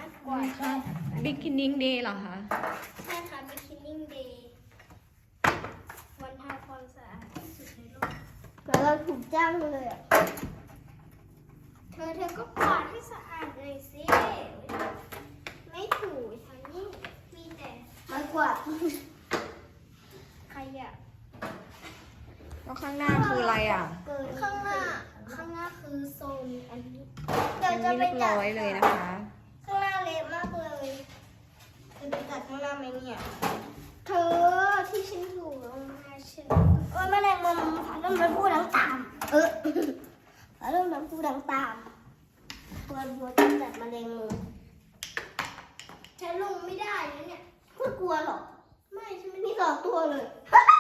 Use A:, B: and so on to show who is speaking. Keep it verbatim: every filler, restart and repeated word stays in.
A: ารถกวาดได้
B: บิ๊กคินนิ่งเดย์เหรอคะ
A: ใช่ค่ะ Beginning Day วันทำความสะอาดที่สุดในโลกแล้วเราถูกจ้างเลยอ่ะ เธอเธอก็กวาดให้สะอาดเลยสิ ไม่ถูฉันนี่มีแต่ไม้กวาดขยะ
B: แล้วข้างหน้าคืออะไรอ่ะ
A: ข้างหน้า ข้างหน้าคือโซนอันนี้
B: ยังไม่เรียบร้อยเลยนะคะ
A: ข้างหน้าเละมากเลยจะไปตัดข้างหน้าไหมเนี่ย เธอที่ฉันอยู่ลงมาฉันโอ้ยแมลงมุมผาเริ่มมันพูดดังตาม เออผาเริ่มมันพูดดังตามตัวบัวจะตัดแมลงมุมฉันลงไม่ได้นะเนี่ยพูดกลัวหรอ ไม่ฉันไม่มีสองตัวเลย